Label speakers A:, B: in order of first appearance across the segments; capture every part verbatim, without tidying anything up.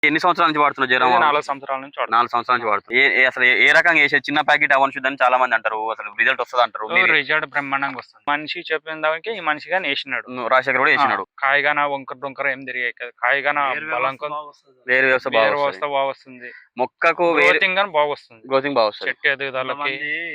A: ఎన్ని సంవత్సరాల నుంచి వాడుతున్నావు జయరాం?
B: నాలుగు సంవత్సరాల నుంచి వాడుతున్నా.
A: నాలుగు సంవత్సరాల నుంచి వాడుతున్నావు. ఏ ఏ- అసలు ఏ- ఏ రకంగా వేసే చిన్న ప్యాకెట్ అవన్ శుద్ధి అని చాలా మంది అంటారు. అసలు రిజల్ట్ వస్తుంది అంటారు. మీరు-
B: రిజల్ట్ బ్రహ్మాండంగా వస్తుంది. మనిషి చెప్పిన దానికి ఈ మనిషిగా వేసినాడు.
A: నువ్వు రాజశేఖర్ కూడా వేసినాడు.
B: కాయగాన వంకర డొంకర ఏం తిరిగాయి కదా, కాయగాన బలంకం
A: వేరు వ్యవస్థ
B: వేరు
A: బాగా
B: వ్యవస్థ బాగా వస్తుంది.
A: మొక్కకు
B: గ్రోతింగ్ గాని బాగా వస్తుంది.
A: గ్రోతింగ్ బాగా వస్తుంది.
B: చెట్టు ఎదుగుదలకి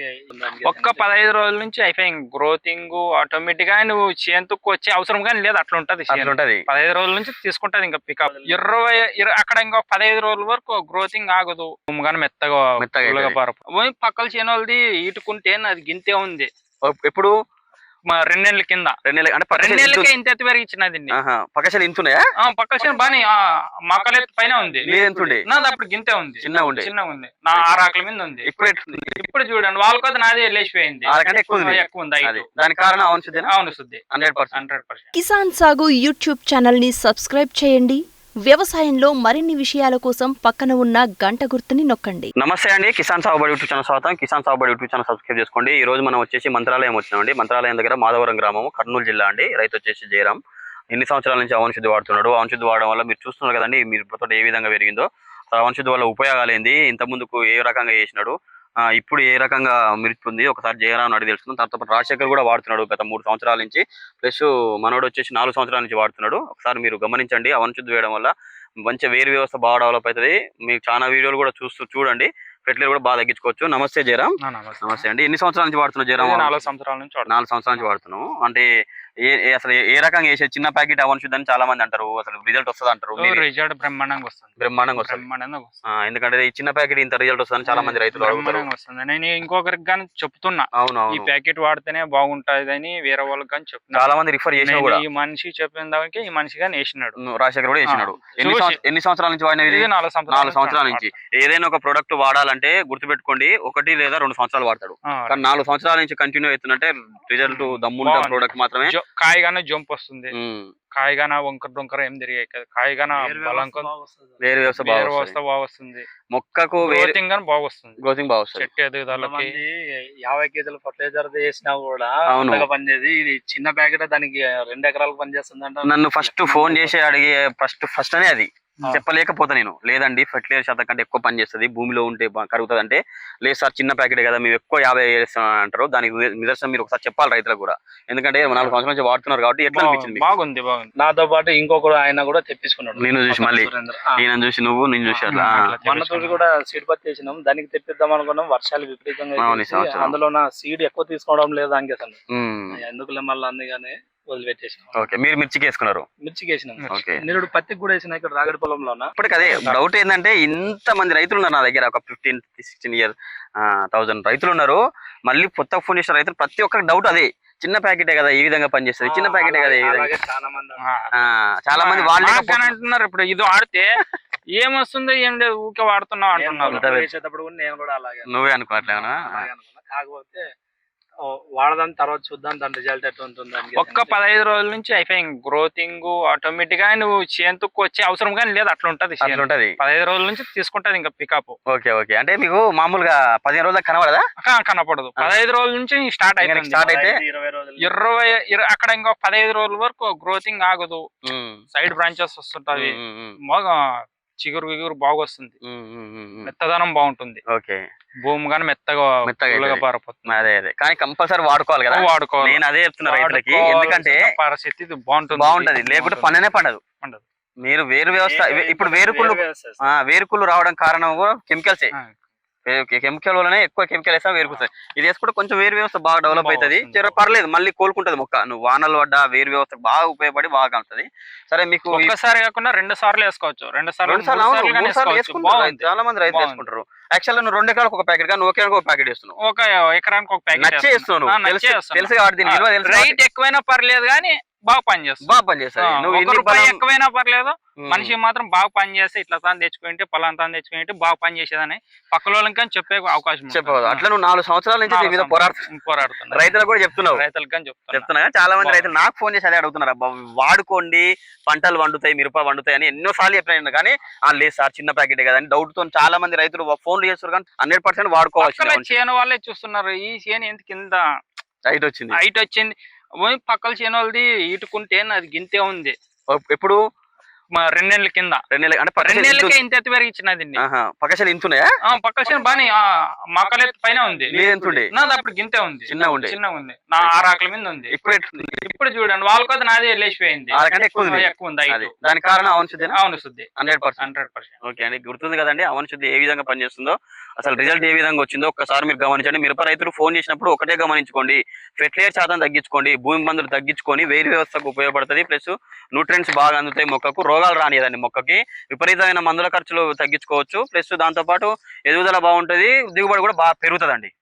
B: ఒక్క పదహైదు రోజుల నుంచి అయిపోయింది గ్రోతింగ్ ఆటోమేటిక్ గా. నువ్వు చేతుకు వచ్చే అవసరం కానీ లేదు, అట్లా ఉంటది.
A: అట్లా ఉంటది.
B: పదహైదు రోజుల నుంచి తీసుకుంటది ఇంకా పికప్. ఇరవై ఇర- అక్కడ ఇంకా పదహైదు రోజుల వరకు గ్రోతింగ్ ఆగదు. కానీ మెత్తగా
A: మెత్తగా
B: పుల్లగా
A: అవుతది.
B: పారపు పోయి పక్కల చేను వాళ్ళది ఈటుకుంటే అది గింతే ఉంది.
A: ఎప్పుడు
B: మా రెండేళ్ల కింద
A: రెండు నెలలు అంటే పక్క
B: రెండేళ్లకే ఇంత ఎత్తు పెరిగిచ్చినది.
A: పక్కశలు ఇంతున్నాయా?
B: పక్కల చేను బాని మక్కల ఎత్తు పైన ఉంది.
A: లేదంటుండే
B: నాది అప్పుడు గింతే ఉంది,
A: చిన్న ఉండే
B: చిన్నగా ఉంది. నా ఆరు ఆకల మీద ఉంది.
A: ఇప్పుడు ఎట్లుంది?
B: ఇప్పుడు చూడండి వాళ్ళకి నాదే లేచిపోయింది.
A: ఆరకంటే ఎక్కువ ఉంది.
B: ఎక్కువ ఉంది height.
A: అది. దానికి కారణం అవన్ శుద్ధి.
B: అవును శుద్ధి
A: hundred percent
B: hundred percent.
C: Kisan Sagu YouTube channel ని సబ్స్క్రైబ్ చేయండి. వ్యవసాయంలో మరిన్ని విషయాల కోసం పక్కన ఉన్న గంట గుర్తుని నొక్కండి.
A: నమస్తే అండి, కిసాన్ సాగుబడి యూట్యూబ్ ఛానల్ స్వాగతం. కిసాన్ సాగుబడి యూట్యూబ్ ఛానల్ సబ్స్క్రైబ్ చేసుకోండి. ఈ రోజు మనం వచ్చేసి మంత్రాలయం వచ్చినామండి. మంత్రాలయం దగ్గర మాధవరం గ్రామం, కర్నూలు జిల్లా అండి. రైతు వచ్చేసి జయరాం. ఎన్ని సంవత్సరాల నుంచి అవన్ శుద్ధి వాడుతున్నాడు. అవన్ శుద్ధి వాడడం వల్ల మీరు చూస్తున్నారు కదండి, మీరు తోట ఏ విధంగా పెరిగిందో. అవన్ శుద్ధి వల్ల ఉపయోగాలు ఏంది, ఇంత ముందుకు ఏ రకంగా చేసినాడు, ఇప్పుడు ఏ రకంగా మిరుపుంది ఒకసారి జయరాం అడిగి తెలుసుకుందాం. తర్వాత రాజశేఖర్ కూడా వాడుతున్నాడు గత మూడు సంవత్సరాల నుంచి. ప్లస్ మనోడు వచ్చేసి నాలుగు సంవత్సరాల నుంచి వాడుతున్నాడు. ఒకసారి మీరు గమనించండి. అవన్ శుద్ధి వేయడం వల్ల మంచి వేరు వ్యవస్థ బాగా డెవలప్ అవుతుంది. మీకు చాలా వీడియోలు కూడా చూస్తూ చూడండి. ఫెర్టిలైజర్ కూడా బాగా తగ్గించుకోవచ్చు. నమస్తే జయరాం. నమస్తే అండి. ఎన్ని సంవత్సరాల నుంచి వాడుతున్నావు జయరాం?
B: నాలుగు సంవత్సరాల నుంచి
A: నాలుగు సంవత్సరాల నుంచి వాడుతున్నావు. అంటే ఏ అసలు ఏ రకంగా వేసే చిన్న ప్యాకెట్ అవన్ శుద్ధి అని చాలా మంది అంటారు. అసలు రిజల్ట్ వస్తుంది అంటారు.
B: రిజల్ట్ బ్రహ్మాండంగా వస్తుంది.
A: బ్రహ్మాండంగా వస్తుంది.
B: బ్రహ్మాండంగా వస్తుంది.
A: ఎందుకంటే ఈ చిన్న ప్యాకెట్ ఇంత రిజల్ట్ వస్తుందని చాలా మంది రైతులు అడుగుతారు.
B: వస్తుంది. నేను ఇంకొకరికి కానీ చెప్తున్నా,
A: అవును
B: ఈ ప్యాకెట్ వాడితేనే బాగుంటది అని వేరే వాళ్ళకి కానీ చెప్తున్నా.
A: చాలా మంది రిఫర్ చేసిన కూడా.
B: ఈ మనిషి చెప్పిన దానికి ఈ మనిషిగా వేసినాడు.
A: రాజశేఖర్ కూడా వేసినాడు. ఎన్ని ఎన్ని సంవత్సరాల నుంచి వాడినది? నాలుగు సంవత్సరాల నుంచి. ఏదైనా ఒక ప్రొడక్ట్ వాడాలంటే గుర్తుపెట్టుకోండి, ఒకటి లేదా రెండు సంవత్సరాలు వాడతాడు. కానీ నాలుగు సంవత్సరాల నుంచి కంటిన్యూ అవుతుందంటే రిజల్ట్ దమ్ముంటే ప్రొడక్ట్ మాత్రమే.
B: కాయగానే జంప్ వస్తుంది, కాయగాన వంకర డొంకర ఏం తిరిగాయి కదా, కాయగాన బలంకం
A: వేరు వ్యవస్థ
B: వేరు వ్యవస్థ బాగా వస్తుంది.
A: మొక్కకు
B: గ్రోతింగ్ గాని బాగా వస్తుంది.
A: గ్రోతింగ్ బాగా వస్తుంది.
B: చెట్టు ఎదుగుదలకి
D: యాభై కేజీల ఫర్టిలైజర్ వేసినా కూడా
A: అవును
D: పనిచేది. ఇది చిన్న ప్యాకెట్ దానికి రెండు ఎకరాలకు పనిచేస్తుంది అంట.
A: నన్ను ఫస్ట్ ఫోన్ చేసి అడిగే ఫస్ట్ ఫస్ట్ అనే అది చెప్పలేకపోతా నేను. లేదండి ఫెర్టిలైజర్ శాతం కంటే ఎక్కువ పని చేస్తుంది, భూమిలో ఉంటే కరుగుతుంది అంటే. లేదు సార్ చిన్న ప్యాకెట్ కదా మేము ఎక్కువ యాభై వేస్తాం అంటారు. దానికి నిదర్శనం మీరు ఒకసారి చెప్పాలి రైతులకు కూడా. ఎందుకంటే నాలుగు సంవత్సరాల నుంచి వాడుతున్నారు కాబట్టి ఎట్లా అనిపించింది?
B: బాగుంది బాగుంది.
D: నాతో పాటు ఇంకొకరు ఆయన కూడా తెప్పించుకున్నాడు.
A: నేను చూసి మళ్ళీ ఈయన చూసి నువ్వు నేను చూసి అట్లా
D: మన తోటి కూడా సీడ్ పత్తి వేసినాం. దానికి తెప్పిద్దాం అనుకున్నాం, వర్షాలు విపరీతంగా అందులో నా సీడ్ ఎక్కువ తీసుకోవడం లేదు. దానికి అసలు ఎందుకులే మళ్ళీ అందుకని వదిలిపెట్టేసినాం.
A: ఓకే, మీరు మిర్చికి వేసుకున్నారు?
D: మిర్చికి వేసినాం. నేను పత్తికి కూడా వేసిన ఇక్కడ రాగడి పొలంలో.
A: ఇప్పటికి అదే డౌట్ ఏంటంటే, ఇంత మంది రైతులు ఉన్నారు నా దగ్గర, ఒక ఫిఫ్టీన్ సిక్స్టీన్ ఇయర్ థౌసండ్ రైతులు ఉన్నారు. మళ్ళీ కొత్త ఫోన్ చేసిన రైతులు ప్రతి ఒక్కరికి డౌట్ అదే, చిన్న ప్యాకెటే కదా ఈ విధంగా పనిచేస్తుంది, చిన్న ప్యాకెటే కదా ఈ విధంగా. చాలా మంది వాళ్ళు
B: అంటున్నారు ఇప్పుడు ఇది వాడితే ఏమొస్తుందో ఏం లేదు ఊకే వాడుతున్నావు అంటున్నారు.
D: వేసేటప్పుడు కూడా నేను కూడా అలాగే
A: నువ్వే అనుకోవట్లేనా?
D: కాకపోతే వాడదాని తర్వాత చూద్దాం దాని రిజల్ట్ ఎట్లా ఉంటుంది.
B: ఒక్క పదహైదు రోజుల నుంచి అయిపోయింది గ్రోతింగ్ ఆటోమేటిక్ గా. నువ్వు చేతుకు వచ్చే అవసరం కానీ లేదు, అట్లా ఉంటది.
A: ఉంటది
B: పదహైదు రోజుల నుంచి తీసుకుంటది ఇంకా పికప్.
A: Okay okay. అంటే మీకు మామూలుగా పదిహేను రోజులకు కనబడదా?
B: కనపడదు. పదహైదు రోజుల నుంచి స్టార్ట్ అయిపోయింది.
A: స్టార్ట్ అయితే
D: ఇరవై రోజులు
B: ఇరవై అక్కడ ఇంకా పదహైదు రోజుల వరకు గ్రోతింగ్ ఆగదు. సైడ్ బ్రాంచెస్ వస్తుంటది, బాగా చిగురు గిగురు బాగా వస్తుంది, మెత్తదనం బాగుంటుంది.
A: ఓకే,
B: భూమి కానీ మెత్తగా మెత్తగా పారిపోతుంది.
A: అదే అదే కానీ కంపల్సరీ వాడుకోవాలి కదా.
B: వాడుకోవాలి.
A: నేను అదే చెప్తున్నా రైతులకి, ఎందుకంటే
B: పరిస్థితి బాగుంటుంది
A: బాగుంటది లేకుంటే పండనే పండదు. మీరు వేరు వ్యవస్థ ఇప్పుడు వేరుకుళ్ళు వేరుకుళ్ళు రావడం కారణం కూడా కెమికల్సే. కెమికల్ వల్లనే ఎక్కువ కెమికల్ వేస్తా వేరుకుతుంది. ఇది వేసుకుంటే కొంచెం వేరు వ్యవస్థ బాగా డెవలప్ అవుతుంది, పర్లేదు, మళ్ళీ కోలుకుంటది మొక్క. నువ్వు వానలు పడ్డా వేరు వ్యవస్థ బాగా ఉపయోగపడి బాగా కలుగుతుంది. సరే, మీకు
B: ఒకసారి కాకుండా రెండు సార్లు వేసుకోవచ్చు, రెండు సార్లు
A: చాలా మంది రైతులు వేసుకుంటారు. యాక్చువల్ నువ్వు రెండు ఎకరాలకు ఒక ప్యాకెట్ గా నువ్వు ఒక ప్యాకెట్ వేస్తున్నావు,
B: ఒక ఎకరానికి ఒక ప్యాకెట్
A: నచ్చే వేస్తున్నావు. తెలుసు కాబట్టి
B: రైట్ ఎక్కువైనా పర్లేదు కానీ బాగా పనిచేస్తుంది,
A: బాగా పనిచేస్తుంది.
B: నువ్వు ఎక్కువైనా పర్లేదు, మనిషి మాత్రం బాగా పని చేస్తే ఇట్లా తాను తెచ్చుకుంటే పలానా తాను తెచ్చుకుంటే బాగా పని చేసేదని పక్కల వాళ్ళకి కానీ చెప్పే అవకాశం
A: చెప్పదు. అట్లా నువ్వు నాలుగు సంవత్సరాల నుంచి దీని మీద పోరాడుతు
B: పోరాడుతున్నా
A: రైతులకు కూడా చెప్తున్నావు.
B: రైతులకు కానీ
A: చెప్తున్నా చాలా మంది రైతులు నాకు ఫోన్ చేసి అదే అడుగుతున్నారు, అబ్బా వాడుకోండి పంటలు వండుతాయి, మిరప వండుతాయి అని ఎన్నో సార్లు చెప్పిన కానీ లేదు సార్ చిన్న ప్యాకెట్ కదని డౌట్ తో చాలా మంది రైతులు ఫోన్లు చేస్తారు. కానీ హండ్రెడ్ పర్సెంట్ వాడుకోవాలి.
B: చేను వాళ్ళే చూస్తున్నారు, ఈ చేను ఎంత కింద
A: హైట్ వచ్చింది హైట్
B: వచ్చింది పక్కల చేను వాళ్ళది ఈటుకుంటే అది గింతే ఉంది.
A: ఎప్పుడు
B: మా రెండేళ్ల కింద
A: రెండు నెలలు అంటే పక్క
B: రెండేళ్లకే ఇంత ఎత్తు పెరిగించినది
A: పక్కశలు ఇంతున్నాయా
B: పక్క చేను బాని మక్కల ఎత్తు పైన ఉంది
A: మీరు ఎంత ఉండే
B: నాది అప్పుడు గింతే ఉంది
A: చిన్నగా ఉండే
B: చిన్నగా ఉంది నా ఆరు ఆకల మీద ఉంది
A: ఇప్పుడు ఎట్లుంది?
B: ఇప్పుడు చూడండి వాళ్ళ కొద్ది నాది లేచిపోయింది
A: వాళ్ళకంటే ఎక్కువ ఉంది.
B: ఎక్కువ ఉంది
A: అది దానికి కారణం అవన్ శుద్ధి
B: అవును శుద్ధి
A: hundred percent
B: hundred percent
A: okay అండి గుర్తుంది కదండి అవన్ శుద్ధి ఏ విధంగా పనిచేస్తుందో అసలు రిజల్ట్ ఏ విధంగా వచ్చిందో ఒక్కసారి మీరు గమనించండి. మిరప రైతులు ఫోన్ చేసినప్పుడు ఒకటే గమనించుకోండి, ఫెర్టిలైజర్ శాతం తగ్గించుకోండి, భూమి మందులు తగ్గించుకొని వేరు వ్యవస్థకు ఉపయోగపడుతుంది. ప్లస్ న్యూట్రియన్స్ బాగా అందుతాయి, మొక్కకు రోగాలు రానియదండి, మొక్కకి విపరీతమైన మందుల ఖర్చులు తగ్గించుకోవచ్చు. ప్లస్ దాంతోపాటు ఎదుగుదల బాగుంటుంది, దిగుబడి కూడా బాగా పెరుగుతుందండి.